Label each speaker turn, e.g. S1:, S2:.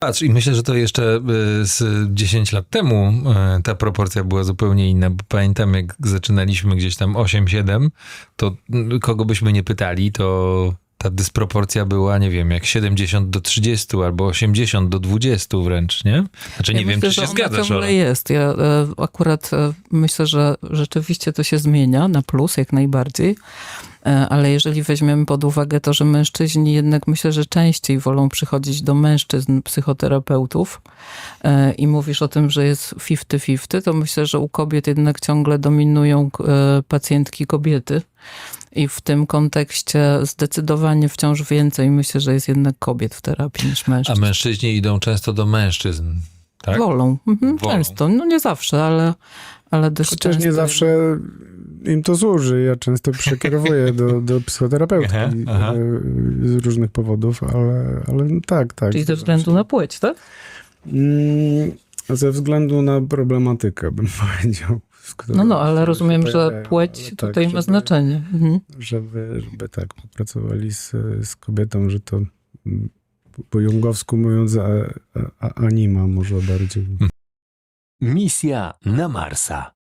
S1: Patrz, i myślę, że to jeszcze z 10 lat temu ta proporcja była zupełnie inna, bo pamiętam, jak zaczynaliśmy gdzieś tam 8-7, to kogo byśmy nie pytali, to ta dysproporcja była, nie wiem, jak 70-30 albo 80-20 wręcz, nie? Znaczy nie wiem,
S2: myślę,
S1: czy się
S2: że ona
S1: zgadzasz,
S2: ciągle
S1: ale...
S2: jest. Ja akurat myślę, że rzeczywiście to się zmienia na plus, jak najbardziej. Ale jeżeli weźmiemy pod uwagę to, że mężczyźni jednak myślę, że częściej wolą przychodzić do mężczyzn psychoterapeutów i mówisz o tym, że jest 50-50, to myślę, że u kobiet jednak ciągle dominują pacjentki kobiety. I w tym kontekście zdecydowanie wciąż więcej myślę, że jest jednak kobiet w terapii niż
S1: A
S2: mężczyzn.
S1: mężczyźni idą często do mężczyzn, tak?
S2: Wolą.
S1: Wolą.
S2: Często. No nie zawsze, ale dość
S3: Chociaż
S2: często.
S3: nie zawsze im to służy. Ja często przekierowuję do psychoterapeutki
S1: Aha.
S3: z różnych powodów, ale tak.
S2: Czyli ze względu na płeć, tak?
S3: Ze względu na problematykę, bym powiedział.
S2: No, ale rozumiem, że płeć
S3: ale
S2: tutaj
S3: tak,
S2: ma znaczenie. Mhm.
S3: Żeby tak popracowali z kobietą, że to po jungowsku mówiąc anima może bardziej.
S4: Misja na Marsa.